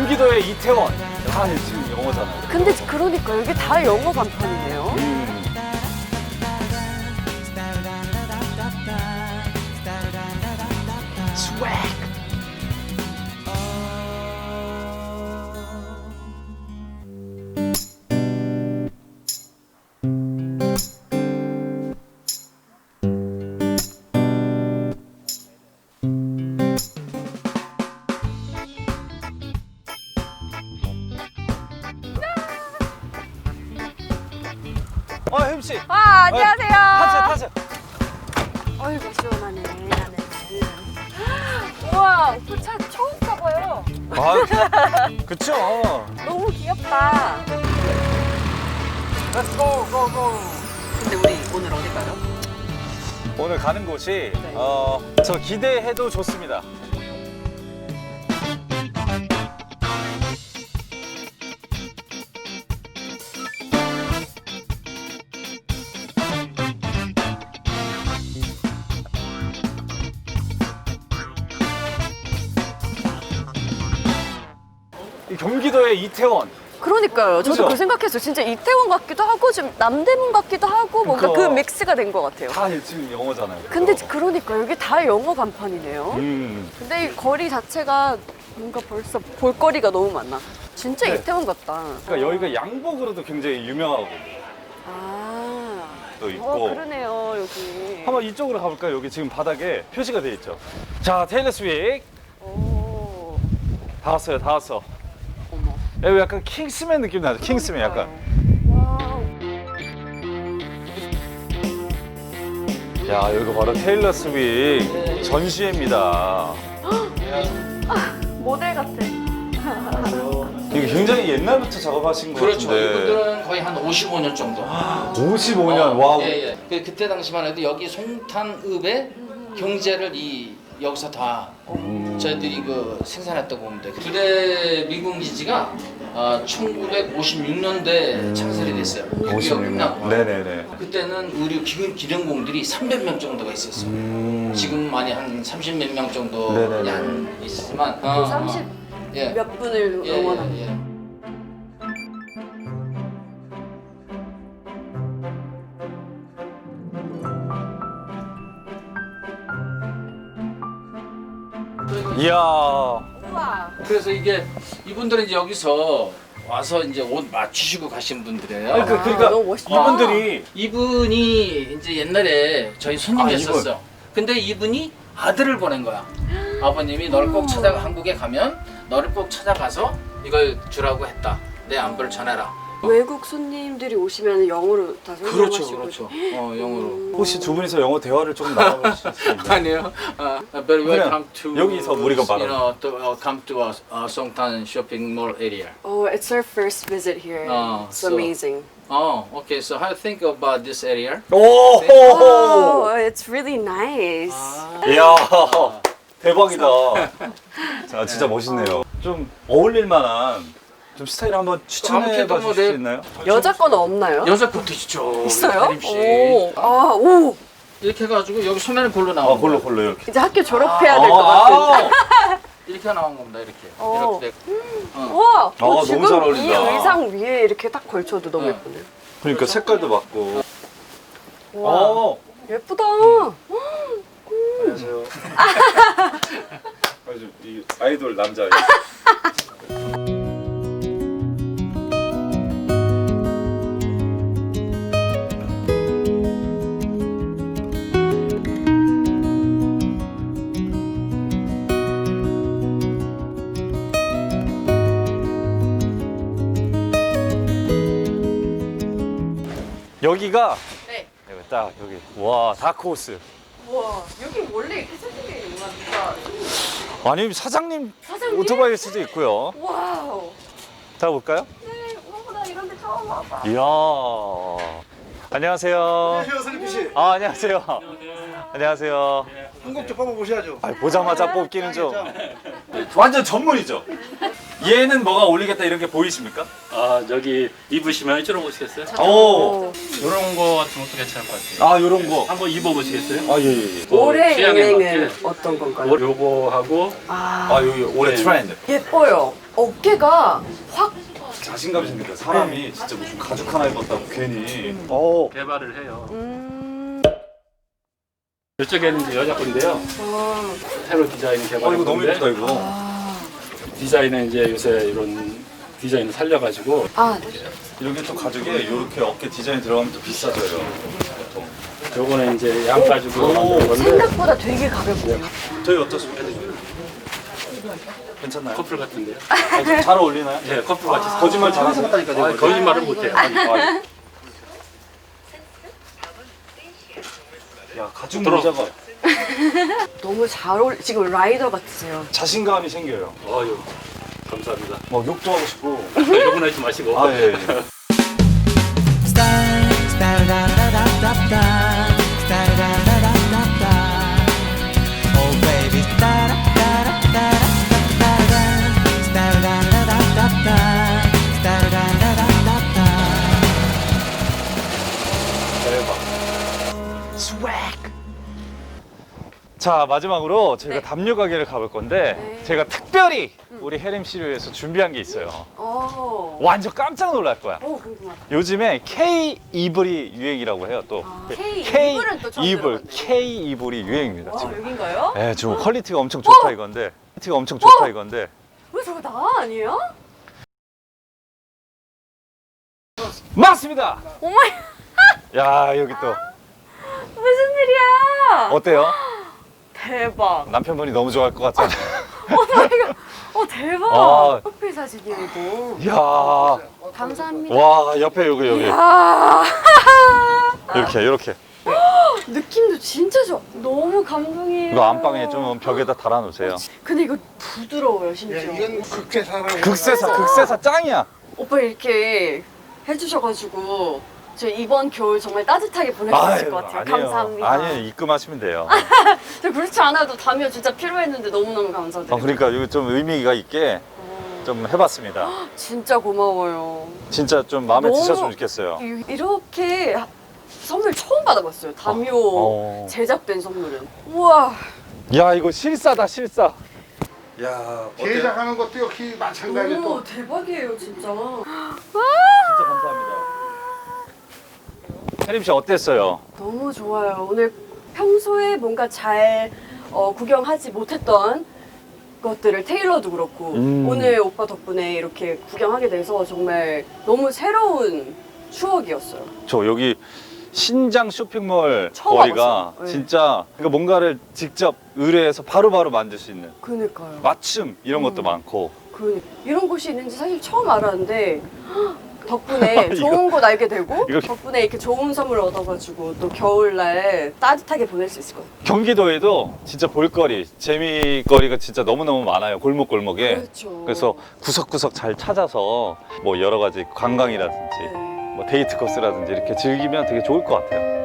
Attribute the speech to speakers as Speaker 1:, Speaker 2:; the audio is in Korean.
Speaker 1: 경기도의 이태원. 다 지금 영어잖아요.
Speaker 2: 근데 그러니까 여기 다 영어 간판이네요.
Speaker 1: 스웩. 혜림 씨.
Speaker 2: 안녕하세요.
Speaker 1: 타세요.
Speaker 2: 어이구 시원하네. 우와, 오빠 차 처음 타봐요.
Speaker 1: 그쵸.
Speaker 2: 너무 귀엽다.
Speaker 1: Let's go.
Speaker 2: 근데 우리 오늘 어디 가요?
Speaker 1: 오늘 가는 곳이 저 기대해도 좋습니다. 이 경기도의 이태원.
Speaker 2: 그러니까요. 저도
Speaker 1: 그죠?
Speaker 2: 그 생각했어요. 진짜 이태원 같기도 하고 좀 남대문 같기도 하고 뭔가 그
Speaker 1: 그거.
Speaker 2: 믹스가 된 것 같아요.
Speaker 1: 다 지금 영어잖아요.
Speaker 2: 근데
Speaker 1: 그죠?
Speaker 2: 그러니까 여기 다 영어 간판이네요. 근데 이 거리 자체가 뭔가 벌써 볼거리가 너무 많아. 진짜
Speaker 1: 네.
Speaker 2: 이태원 같다.
Speaker 1: 그러니까 여기가 양복으로도 굉장히 유명하고 또 있고.
Speaker 2: 그러네요 여기.
Speaker 1: 한번 이쪽으로 가볼까요? 여기 지금 바닥에 표시가 돼 있죠. 자, 테일러 스윅.
Speaker 2: 오.
Speaker 1: 다 왔어.
Speaker 2: 어머.
Speaker 1: 여기 약간 킹스맨 느낌 나죠? 킹스맨 약간.
Speaker 2: 와우.
Speaker 1: 야, 여기가 바로 테일러 스윅 전시회입니다.
Speaker 2: 모델 같아.
Speaker 1: 이게 굉장히 옛날부터 작업하신 것
Speaker 3: 그렇죠.
Speaker 1: 같은데.
Speaker 3: 이분들은 거의 한 55년 정도.
Speaker 1: 55년, 와우.
Speaker 3: 예. 그때 당시만 해도 여기 송탄읍의 경제를 여기서 다 저희들이 생산했다고 보면 돼요. 부대 미군 기지가 1956년도에 창설이 됐어요.
Speaker 1: 56년. 네네네.
Speaker 3: 그때는 의료 기능공들이 300명 정도가 있었어요. 지금만이 한 30몇 명 정도
Speaker 1: 네네네.
Speaker 3: 양 있지만
Speaker 2: 30
Speaker 3: 예.
Speaker 2: 몇 분을 응원한.
Speaker 3: 예.
Speaker 1: 이야.
Speaker 2: 우와.
Speaker 3: 그래서 이분들은 이제 여기서 와서 이제 옷 맞추시고 가신 분들이에요.
Speaker 1: 아니, 그러니까
Speaker 2: 너무 멋있다.
Speaker 1: 이분들이
Speaker 3: 이분이 이제 옛날에 저희 손님이었었어. 근데 이분이 아들을 보낸 거야. 아버님이 너를 꼭 한국에 가면 너를 꼭 찾아가서 이걸 주라고 했다. 내 안부를 전해라.
Speaker 2: 외국 손님들이 오시면 영어로 다 설명하시고.
Speaker 3: 그렇죠. 영어로.
Speaker 1: 혹시 두 분이서 영어 대화를 좀 나눠보실 수 있나요?
Speaker 3: 아니에요. But welcome to
Speaker 1: 여기서 우리가 말하는.
Speaker 3: come to Songtan shopping mall area.
Speaker 2: Oh, it's our first visit here. It's
Speaker 3: so-
Speaker 2: amazing.
Speaker 3: Okay. So how do you think about this area?
Speaker 1: 오!
Speaker 2: Oh, it's really nice.
Speaker 1: 이야, 대박이다. 자, 진짜 멋있네요. 좀 어울릴 만한 좀 스타일 한번 추천해 봐 주실 수 있나요?
Speaker 2: 여자 거는 없나요?
Speaker 3: 여자 것도 있죠.
Speaker 2: 있어요?
Speaker 3: 혜림 씨.
Speaker 2: 오. 오.
Speaker 3: 이렇게 해가지고 여기 소매는 골로 나온 거야.
Speaker 1: 골로 이렇게.
Speaker 2: 이제 학교 졸업해야 될 것 같은.
Speaker 3: 이렇게 나온 겁니다. 이렇게.
Speaker 2: 어.
Speaker 3: 이렇게.
Speaker 2: 우와.
Speaker 1: 너무
Speaker 2: 지금
Speaker 1: 잘
Speaker 2: 이
Speaker 1: 어울린다.
Speaker 2: 의상 위에 이렇게 딱 걸쳐도 너무
Speaker 3: 네.
Speaker 2: 예쁘네요.
Speaker 1: 그러니까 색깔도 맞고.
Speaker 2: 와. 예쁘다.
Speaker 1: 안녕하세요. 이 아이돌 남자. 여기가
Speaker 2: 네.
Speaker 1: 여기 딱 여기 와 다크호스.
Speaker 2: 우와. 여기 원래 이렇게 세팅되어 있는 거야.
Speaker 1: 아니 사장님
Speaker 2: 사장님?
Speaker 1: 오토바이일 수도 있고요.
Speaker 2: 와우.
Speaker 1: 자 볼까요?
Speaker 2: 네. 우와, 나 이런 데 처음 와봐.
Speaker 1: 이야. 안녕하세요.
Speaker 4: 안녕하세요, 선임피 씨.
Speaker 1: 안녕하세요. 안녕하세요.
Speaker 4: 한국 좀 뽑아보셔야죠.
Speaker 1: 아, 보자마자 뽑기는 좀 완전 전문이죠. 얘는 뭐가 어울리겠다 이런 게 보이십니까?
Speaker 5: 여기 입으시면 이쪽으로 보시겠어요?
Speaker 1: 오.
Speaker 5: 이런 거 같은 것도 괜찮을 것 같아요.
Speaker 1: 아 요런 거.
Speaker 5: 한번 입어보시겠어요?
Speaker 1: 아 예예.
Speaker 2: 올해
Speaker 5: 취향에
Speaker 2: 유행은
Speaker 5: 맞게.
Speaker 2: 어떤 건가요?
Speaker 5: 요거하고
Speaker 1: 아 여기 올해
Speaker 5: 네.
Speaker 1: 트렌드.
Speaker 2: 예뻐요. 어깨가 확
Speaker 1: 자신감이 생긴다. 사람이 진짜 무슨 가죽 하나 입었다고 괜히.
Speaker 5: 개발을 해요.
Speaker 2: 음.
Speaker 5: 이쪽에는 이제 여자 건데요. 새로 디자인 개발.
Speaker 1: 이거 너무 예쁘다 이거.
Speaker 5: 디자인은 이제 요새 이런 디자인을 살려가지고
Speaker 2: 아,
Speaker 1: 이렇게 또 가죽에 이렇게 어깨 디자인 들어가면 또 비싸져요. 보통.
Speaker 5: 요거는 이제 양 가지고 만든 건데
Speaker 2: 생각보다 되게 가볍네요.
Speaker 1: 저희 어떻습니까? 괜찮나요?
Speaker 5: 커플 같은데요.
Speaker 1: 잘 어울리나요?
Speaker 5: 네, 커플 같이.
Speaker 1: 거짓말 잘하세요.
Speaker 5: 거짓말은 못해요.
Speaker 1: 야 가죽 모자가
Speaker 2: 너무 잘 어울. 지금 라이더 같으세요.
Speaker 1: 자신감이 생겨요.
Speaker 5: 어유 감사합니다.
Speaker 1: 막 욕도 하고 싶고.
Speaker 5: 요건 하지 마시고.
Speaker 1: 아 예. 자 마지막으로 저희가
Speaker 2: 네.
Speaker 1: 담요 가게를 가볼 건데
Speaker 2: 네.
Speaker 1: 제가 특별히 우리 혜림 씨를 위해서 준비한 게 있어요. 완전 깜짝 놀랄 거야.
Speaker 2: 궁금하다.
Speaker 1: 요즘에 K 이불이 유행이라고 해요. 또
Speaker 2: K 이불은 또 처음
Speaker 1: 이불,
Speaker 2: 들어봤네.
Speaker 1: K 이불이 유행입니다.
Speaker 2: 와,
Speaker 1: 지금.
Speaker 2: 여긴가요?
Speaker 1: 네, 지금 퀄리티가 엄청 좋다 이건데. 퀄리티가 엄청 좋다 이건데.
Speaker 2: 왜 저거 나 아니에요?
Speaker 1: 맞습니다.
Speaker 2: 오마이,
Speaker 1: 야 여기 또
Speaker 2: 무슨 일이야?
Speaker 1: 어때요?
Speaker 2: 대박.
Speaker 1: 남편분이 너무 좋아할 것 같잖아요.
Speaker 2: 대박.
Speaker 1: 아.
Speaker 2: 커피 사진이야 이거.
Speaker 1: 이야,
Speaker 2: 감사합니다.
Speaker 1: 와 옆에 여기
Speaker 2: 아.
Speaker 1: 이렇게
Speaker 2: 느낌도 진짜 좋아. 너무 감동이에요.
Speaker 1: 이거 안방에 좀 벽에다 달아놓으세요.
Speaker 2: 근데 이거 부드러워요 심지어.
Speaker 4: 이건 극제사라고.
Speaker 1: 극세사 짱이야.
Speaker 2: 오빠 이렇게 해주셔가지고 저 이번 겨울 정말 따뜻하게 보낼 수 있을 것 같아요. 감사합니다.
Speaker 1: 아니에요, 입금하시면 돼요.
Speaker 2: 저 그렇지 않아도 담요 진짜 필요했는데 너무너무 감사드려요.
Speaker 1: 그러니까 이거 좀 의미가 있게 좀 해봤습니다.
Speaker 2: 진짜 고마워요.
Speaker 1: 진짜 좀 마음에
Speaker 2: 너무-
Speaker 1: 드셨으면 좋겠어요.
Speaker 2: 이렇게 선물 처음 받아봤어요. 담요
Speaker 1: 어.
Speaker 2: 제작된 선물은. 우와.
Speaker 1: 야 이거 실사다 실사. 야
Speaker 4: 제작하는 것도 역시 마찬가지
Speaker 2: 너무
Speaker 4: 또.
Speaker 2: 대박이에요 진짜.
Speaker 1: 진짜 감사합니다. 혜림 씨 어땠어요?
Speaker 2: 너무 좋아요. 오늘 평소에 뭔가 잘 구경하지 못했던 것들을 테일러도 그렇고 오늘 오빠 덕분에 이렇게 구경하게 돼서 정말 너무 새로운 추억이었어요.
Speaker 1: 저 여기 신장 쇼핑몰
Speaker 2: 처음
Speaker 1: 거리가
Speaker 2: 와봤어요. 네.
Speaker 1: 진짜 그러니까 뭔가를 직접 의뢰해서 바로바로 만들 수 있는
Speaker 2: 그니까요.
Speaker 1: 맞춤 이런 것도 많고.
Speaker 2: 이런 곳이 있는지 사실 처음 알았는데 덕분에 좋은 곳 알게 되고
Speaker 1: 이거-
Speaker 2: 덕분에 이렇게 좋은 선물 얻어가지고 또 겨울날 따뜻하게 보낼 수 있을 것 같아요.
Speaker 1: 경기도에도 진짜 볼거리, 재미거리가 진짜 너무너무 많아요. 골목골목에.
Speaker 2: 그렇죠.
Speaker 1: 그래서 구석구석 잘 찾아서 뭐 여러 가지 관광이라든지
Speaker 2: 네.
Speaker 1: 뭐 데이트 코스라든지 이렇게 즐기면 되게 좋을 것 같아요.